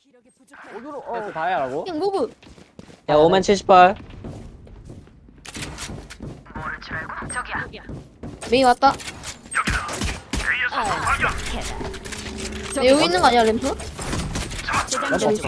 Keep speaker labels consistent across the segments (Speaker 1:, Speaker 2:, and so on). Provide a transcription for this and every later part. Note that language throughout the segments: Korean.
Speaker 1: 어디로?
Speaker 2: 그래서 다 해라고?
Speaker 3: 그냥 모브.
Speaker 2: 야 5만 78.
Speaker 3: 메이 왔다. 네, 여기 있는 거 아니야 램프?
Speaker 1: 나도 없어.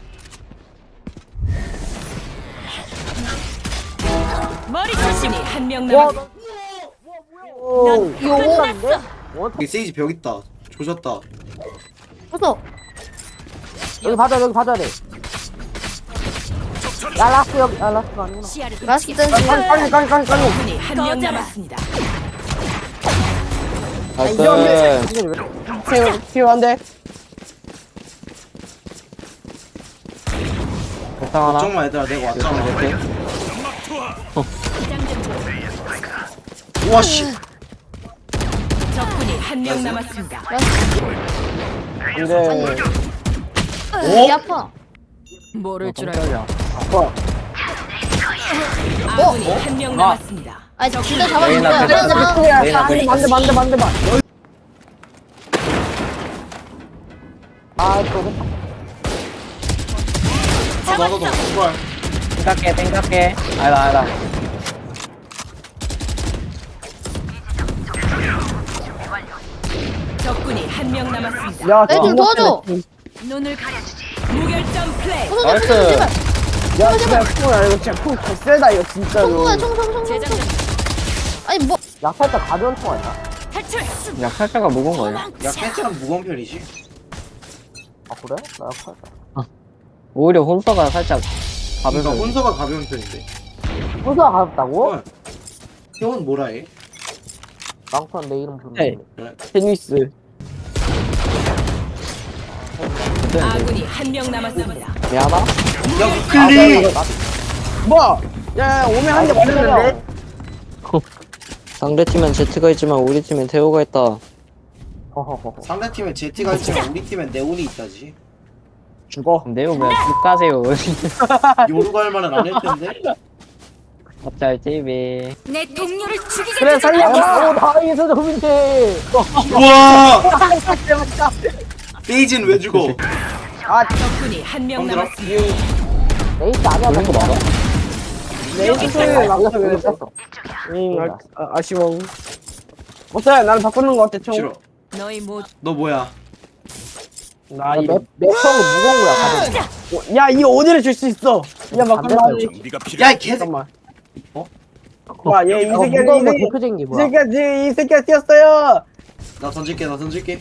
Speaker 4: 머리 조심히 한 명
Speaker 1: 와,
Speaker 4: 남았.
Speaker 1: 오,
Speaker 3: 이거
Speaker 1: 끝났는데?
Speaker 5: 여기 세이지 벽 있다. 조졌다.
Speaker 3: 어서.
Speaker 1: 여기 봐줘야 돼. 야, 라스 여기, 라스가 아니구나.
Speaker 4: 시야를
Speaker 3: 맛있게 뜬지.
Speaker 1: 빨리.
Speaker 4: 적군이 한 명 남았습니다.
Speaker 2: 나이스.
Speaker 1: 필요한데?
Speaker 2: 적당 하나.
Speaker 5: 걱정마 얘들아 내가 왔잖아.
Speaker 2: 이렇게.
Speaker 5: 우와 씨.
Speaker 4: 적군이 한 명 남았습니다.
Speaker 2: 근데
Speaker 3: 이 아파.
Speaker 4: 모를 줄 알고
Speaker 2: 깜짝이야.
Speaker 4: 아군이 한 명 남았습니다.
Speaker 3: 아, 진짜 잡아준다.
Speaker 2: 메이나
Speaker 3: 그러잖아.
Speaker 2: 메이나 메이나.
Speaker 1: 만대. 아, 또.
Speaker 5: 나도 정말.
Speaker 2: 땡각해. 아니다.
Speaker 4: 적군이 한 명 남았습니다.
Speaker 1: 야,
Speaker 3: 좀 도와줘.
Speaker 4: 눈을 가려주지. 무결점 플레이.
Speaker 2: 나이스.
Speaker 3: 제발.
Speaker 1: 야, 진짜 콩야 이거 진짜 콩 개쎄다 이거 진짜로.
Speaker 3: 총구야, 총.
Speaker 4: 재장전
Speaker 3: 아니 뭐?
Speaker 1: 야, 살짝 가벼운 총 아니야?
Speaker 4: 탈출.
Speaker 2: 야 칼자가 무거운 거 아니야?
Speaker 5: 야 캔처럼 무거운 편이지.
Speaker 1: 아, 그래? 나 살짝.
Speaker 2: 오히려 혼서가 살짝
Speaker 5: 그러니까
Speaker 2: 가벼운.
Speaker 5: 혼서가 가벼운 편인데.
Speaker 1: 호수가 가볍다고?
Speaker 5: 어. 형은 뭐라 해?
Speaker 1: 망토는 내 이름
Speaker 2: 헤이.
Speaker 1: 부르는데.
Speaker 2: 테니스.
Speaker 4: 아군이 한 명 남았습니다.
Speaker 2: 미안하다.
Speaker 5: 야 클리.
Speaker 1: 뭐? 야, 오면 한 대 맞았는데?
Speaker 2: 상대 팀엔 제트가 있지만 우리 팀엔 태호가 있다.
Speaker 1: 허허허.
Speaker 5: 상대 팀에 제티가 있지만 우리 팀엔 네온이 있다지.
Speaker 1: 죽어.
Speaker 2: 네오 그냥 쭉 가세요.
Speaker 5: 요루 갈 만은 안 했을 텐데.
Speaker 2: 갑잘 TV.
Speaker 4: 내 동료를 죽이게.
Speaker 1: 그래, 살려봐. 오, 다행이서 좀인데.
Speaker 5: 우와. 세이지는 왜 죽어?
Speaker 1: 아,
Speaker 4: 적군이 한 명
Speaker 5: 형들아.
Speaker 4: 남았습니다.
Speaker 1: 레이스 아니야.
Speaker 2: 그런 거 맞아?
Speaker 1: 레이스를 막아서 왜 뺐어? 아쉬워. 못해, 나는 바꾸는 거 어때, 총?
Speaker 5: 싫어.
Speaker 4: 너희 모두
Speaker 5: 너 뭐야?
Speaker 1: 나 이 맵형은 무거운 거야, 가볍. 야, 이 오디를 줄 수 있어. 야, 바꾸면
Speaker 5: 야이 개새.
Speaker 1: 잠깐만. 와, 얘 이
Speaker 2: 어,
Speaker 1: 새끼야,
Speaker 2: 무거운 거
Speaker 1: 이
Speaker 2: 대표적인 게 뭐야?
Speaker 1: 새끼야 뛰었어요.
Speaker 5: 나 던질게.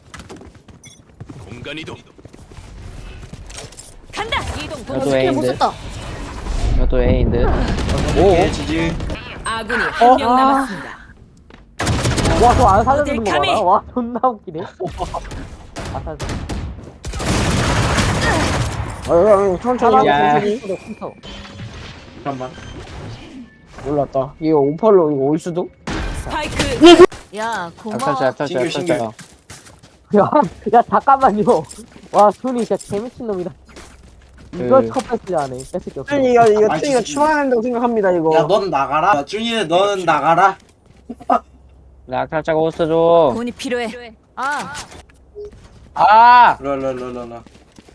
Speaker 4: 간다. 이동.
Speaker 2: 나도
Speaker 3: 스킬 못
Speaker 2: A인데.
Speaker 3: 썼다.
Speaker 2: 나도 A인데.
Speaker 5: 오. 지지.
Speaker 4: 아군이 한 명 남았습니다.
Speaker 1: 와, 저 안 살려주는 거
Speaker 4: 어딜 감히?
Speaker 1: 봐라. 와, 존나 웃기네. 아, 살려. 천천히.
Speaker 2: 야.
Speaker 5: 잠깐만.
Speaker 1: 몰랐다. 이거 오팔로 이거 올 수도?
Speaker 4: 스파이크. 야
Speaker 2: 약탈자.
Speaker 5: 신기해.
Speaker 1: 야, 잠깐만요. 와, 순이 진짜 개미친 놈이다. 이걸
Speaker 2: 그-
Speaker 1: 첫 패스 안 해. 뺏을 게 없어.
Speaker 5: 이거
Speaker 1: 가 추방해야 된다고 생각합니다, 이거.
Speaker 5: 야 넌 나가라. 야, 준이는 너는 나가라.
Speaker 2: 약탈자가 옷어줘.
Speaker 4: 돈이 필요해. 아.
Speaker 2: 아.
Speaker 5: 랄랄랄랄라.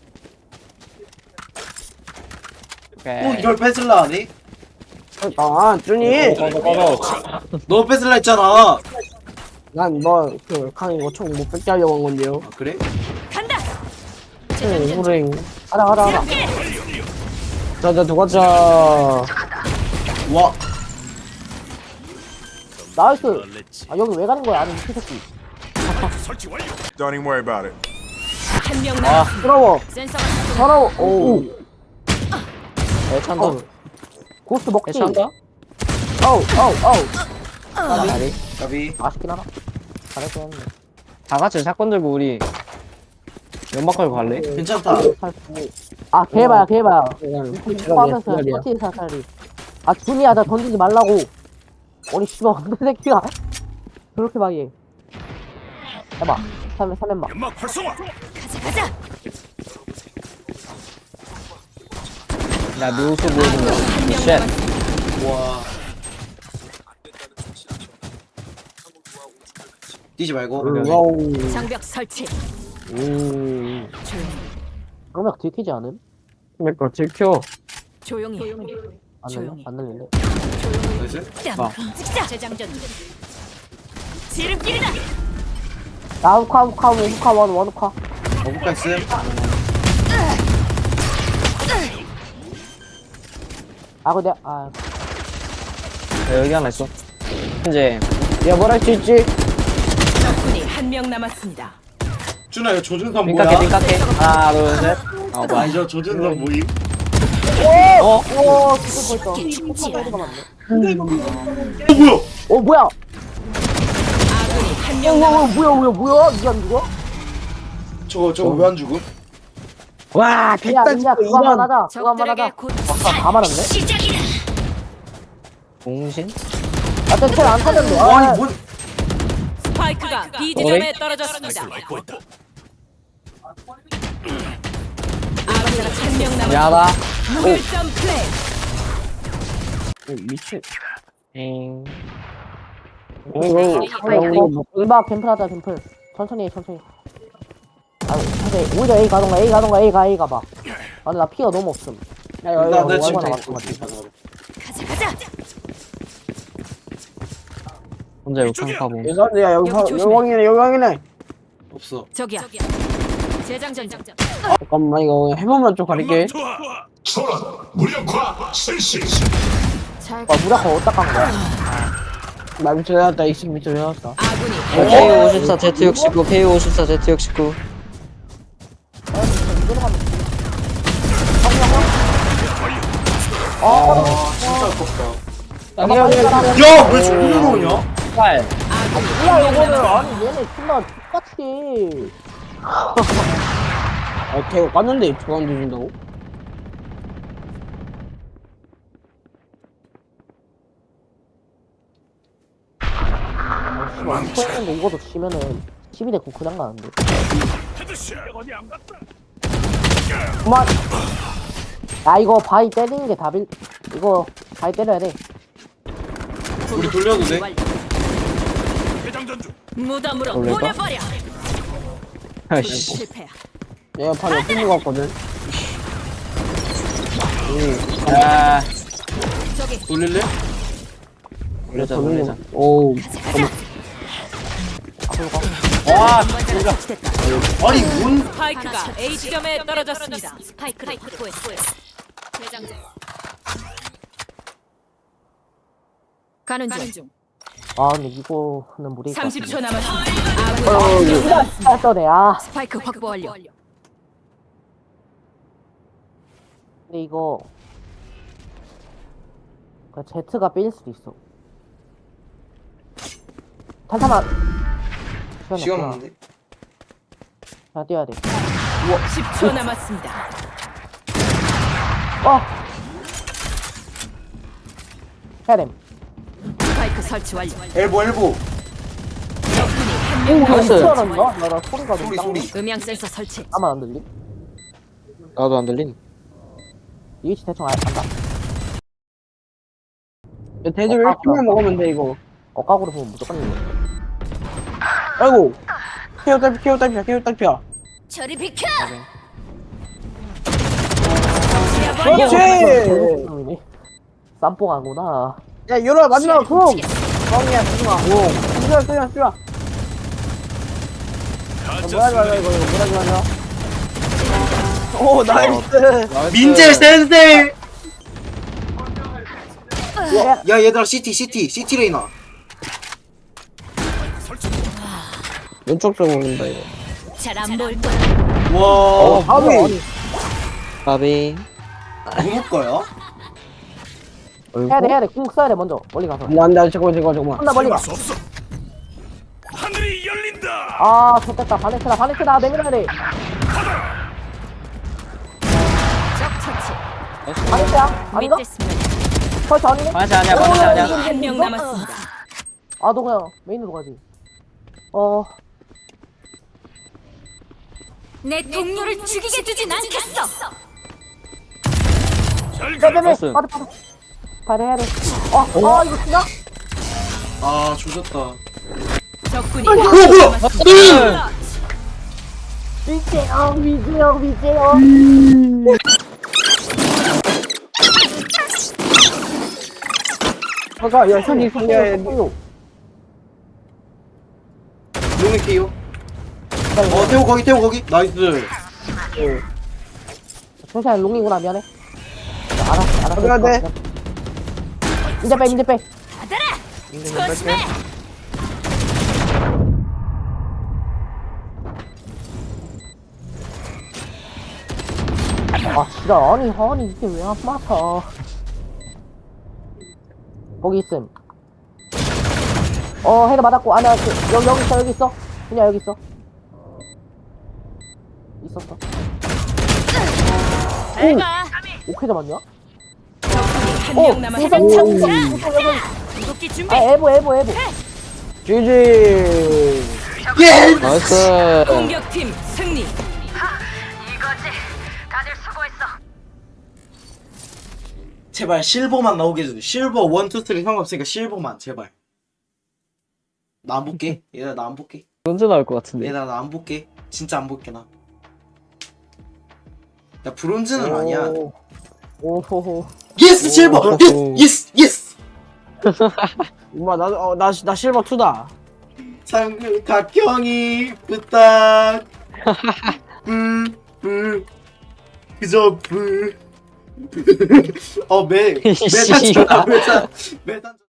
Speaker 2: 오케이.
Speaker 5: 또 이걸 뺏을라 하니?
Speaker 1: 아, 준이.
Speaker 2: 꺼져.
Speaker 5: 너 뺏을라 했잖아.
Speaker 1: 난 너, 강이 이거 총 못 뺏게 하려고 한 건데요.
Speaker 5: 아, 그래?
Speaker 4: 간다.
Speaker 1: 호랭. 가라. 자, 도가자.
Speaker 5: 와.
Speaker 1: 나이스. 아, 여기 왜 가는 거야? 아니, 이 새끼.
Speaker 6: Don't even worry about it.
Speaker 4: 한 명 남았습니다.
Speaker 1: 부러워.
Speaker 4: 센서가
Speaker 1: 서러워. 오.
Speaker 2: 애찬다.
Speaker 1: 고스트 먹지.
Speaker 2: 애찬다.
Speaker 1: 어우.
Speaker 2: 아니.
Speaker 5: 가비.
Speaker 1: 맛있긴 하다. 잘했어, 형님.
Speaker 2: 다 같이 사건 들고 우리 연막 걸고 갈래?
Speaker 5: 괜찮다.
Speaker 1: 아, 개봐야. 포함해서 터치 사살이. 아, 준이야, 나 던지지 말라고. 아니, 씨발, 어떤 새끼가. 그렇게 막 얘. 해봐. 3면 봐.
Speaker 4: 가자.
Speaker 2: 나 묘수 보여준 거.
Speaker 4: 한명
Speaker 2: 쉣.
Speaker 4: 남았습니다.
Speaker 5: 와. 뛰지 말고.
Speaker 1: 와우.
Speaker 4: 장벽 설치.
Speaker 1: 음.
Speaker 4: 조용히.
Speaker 1: 그러면 들키지 않음?
Speaker 2: 그러니까 들켜.
Speaker 4: 조용히 해.
Speaker 1: 안
Speaker 4: 조용히.
Speaker 1: 날려? 안 날리네.
Speaker 5: 나이스.
Speaker 4: 찍자. 재장전. 지름길이다.
Speaker 1: 나 후카 원 후카.
Speaker 5: 어부가 있음.
Speaker 1: 아 근데
Speaker 2: 야, 여기 하나 있어. 이제 야, 뭘 할 수 있지?
Speaker 4: 적군이 한 명 남았습니다.
Speaker 5: 준아 이거 조준선
Speaker 2: 빙깎해,
Speaker 5: 뭐야?
Speaker 2: 빙깎해. 하나, 둘, 셋. 아, 뭐야.
Speaker 5: 아니 저 조준선 뭐임?
Speaker 1: 오 죽을 뻔했어. 후카가 헤드가 맞네.
Speaker 5: 뭐야?
Speaker 1: 뭐야?
Speaker 4: 아군이 한 명 남았습니다.
Speaker 1: 뭐야? 이게 안 죽어?
Speaker 5: 저거 왜 안 죽음?
Speaker 2: 와,
Speaker 1: 야
Speaker 2: 백단
Speaker 1: 그거 한번 하자. 그거 한번
Speaker 4: 적들에게
Speaker 1: 하자.
Speaker 4: 곧
Speaker 1: 다 말았네.
Speaker 4: 시작이다.
Speaker 2: 공신?
Speaker 1: 아까 킬안 터졌네.
Speaker 5: 아니 뭔?
Speaker 4: 스파이크가 B 지점에 떨어졌습니다. 아군이 한 명 남았습니다.
Speaker 2: 야다.
Speaker 4: 무결점 플레이.
Speaker 2: 미친. 엥.
Speaker 1: 이봐 캠플 하자 캠플. 천천히 해 천천히. 아 근데 오히려 A 가던가 A 가봐. 아 근데 나 피가 너무 없음.
Speaker 5: 나 지금
Speaker 1: 얼마나
Speaker 5: 돼.
Speaker 1: 왔어?
Speaker 4: 가자.
Speaker 2: 혼자 욕탕파보.
Speaker 7: 야 여기
Speaker 4: 여기 조심해.
Speaker 7: 여왕이네.
Speaker 5: 없어.
Speaker 4: 저기야. 재장전.
Speaker 7: 잠깐만 이거 해보면 좀 가릴게.
Speaker 4: 잘
Speaker 1: 와 무라카 어디다 깐 거야?
Speaker 7: 나 밑에 내놨다. 익스 밑에 내놨다.
Speaker 4: 아군이
Speaker 2: K54 Z69, K54 Z69.
Speaker 5: 아 진짜 아깝다.
Speaker 7: 야,
Speaker 5: 야왜 저기로 오냐?
Speaker 2: 빨.
Speaker 1: 뭐야 이거는 아니 얘네 존나 똑같이.
Speaker 7: 아, 걔가 깠는데 저안 뒤진다고?
Speaker 1: 스포했는데 이거도 치면은 12대 9 그냥 가는데. 그만. 야 이거 바위 때리는 게 답일. 이거 바위 때려야 돼.
Speaker 5: 우리 돌려도 돼?
Speaker 4: 무덤으로
Speaker 2: 올려봐.
Speaker 4: 보내버려.
Speaker 2: 아이씨.
Speaker 4: 실패야.
Speaker 7: 얘가 바로 옆에 있는 거 같거든.
Speaker 2: 야,
Speaker 4: 저기
Speaker 5: 돌릴래?
Speaker 2: 올려자, 올려자.
Speaker 7: 오,
Speaker 2: 와,
Speaker 5: 아니 뭔?
Speaker 4: 스파이크가 A 지점에 떨어졌습니다. 스파이크를 확보했어요. 재장전. 가는 중.
Speaker 1: 아 근데 이거는 무리일 것 같은데.
Speaker 4: 30초 남았습니다. 아군이
Speaker 1: 떠네. 아
Speaker 4: 스파이크 확보 완료.
Speaker 1: 근데 이거 그 Z가 삘 수도 있어. 탄탄한
Speaker 5: 시간 없는데?
Speaker 1: 자 뛰어야 돼.
Speaker 4: 10초 남았습니다.
Speaker 1: 해야 됨.
Speaker 4: 스파이크 설치 완료.
Speaker 5: 엘보.
Speaker 4: 적군이 한명
Speaker 1: 나
Speaker 4: 남았습니다.
Speaker 1: 나 소리가 좀
Speaker 5: 소리.
Speaker 4: 음향 센서 설치.
Speaker 1: 나만 안 들리?
Speaker 2: 나도 안 들린.
Speaker 1: 이 위치 대충 안다.
Speaker 7: 대들 1킬만 먹으면 돼 이거.
Speaker 1: 억각으로 보면 무조건 이겨.
Speaker 7: 아이고. 케어 딸피야.
Speaker 4: 저리 비켜.
Speaker 7: 그렇지.
Speaker 1: 쌈뽕하구나.
Speaker 7: 야, 열어 마지막 쿵. 뻥이야, 마지막. 오. 쏘아. 뭐야 이거. 오, 나이스.
Speaker 5: 민재 센세. 야 얘들아 CT 레이나.
Speaker 7: 왼쪽 쪽 올린다 이거.
Speaker 4: 잘안 보일 거야.
Speaker 5: 와.
Speaker 7: 아비.
Speaker 2: 바비.
Speaker 5: 누구 거야?
Speaker 1: 해야 돼. 궁 써야 돼 먼저. 멀리 가서.
Speaker 7: 안돼 잠깐만.
Speaker 1: 혼나 멀리 가.
Speaker 6: 하늘이 열린다.
Speaker 1: 아 좋겠다. 바네트다. 내밀어야 돼.
Speaker 4: 적 처치.
Speaker 1: 바네트야? 아닌가?
Speaker 4: 밑에 스면
Speaker 1: 설치 아니네?
Speaker 2: 반지 아니야, 반지 아니야.
Speaker 4: 한명 남았습니다.
Speaker 1: 아 너 그냥 메인으로 가지.
Speaker 4: 내 동료를 죽이게 두진 않겠어.
Speaker 1: 빼빼빼.
Speaker 2: 나이스.
Speaker 1: 빠져. 해야 돼. 이거 진짜?
Speaker 5: 아 조졌다.
Speaker 4: 적군이
Speaker 5: 뭐야?
Speaker 1: 미제요.
Speaker 7: 잠깐, 야, 손이 손이야.
Speaker 1: 요
Speaker 5: 용의 KO. 태호 거기. 나이스.
Speaker 1: 천천히 롱이구나, 미안해. 알았어.
Speaker 7: 어디가 돼?
Speaker 1: 이제 빼.
Speaker 4: 조심해.
Speaker 1: 아, 진짜, 아니, 이게 왜 안 맞아. 거기 있음. 헤드 맞았고, 아니야, 여기 있어. 그냥 여기 있어. 있었어.
Speaker 4: 잘 가.
Speaker 1: 오케이 잡았냐?
Speaker 4: 한명 남았어. 궁극기 준비.
Speaker 1: 아, 에보.
Speaker 7: GG.
Speaker 5: 예.
Speaker 2: 나이스.
Speaker 4: 공격팀 승리.
Speaker 5: 제발 실버만 나오게 해줘. 실버 1, 2, 3 상관없으니까 실버만 제발. 나 안 볼게. 얘들아 나 안 볼게.
Speaker 2: 언제 나올 것 같은데.
Speaker 5: 얘들아 나 안 볼게. 진짜 안 볼게 나. 야 브론즈는 아니야.
Speaker 1: 오호호.
Speaker 5: 예스 실버. 예스.
Speaker 7: 엄마, 나 실버 2다.
Speaker 5: 상금 각형이 부탁. 그저 메탄
Speaker 2: 씨발.
Speaker 5: 메탄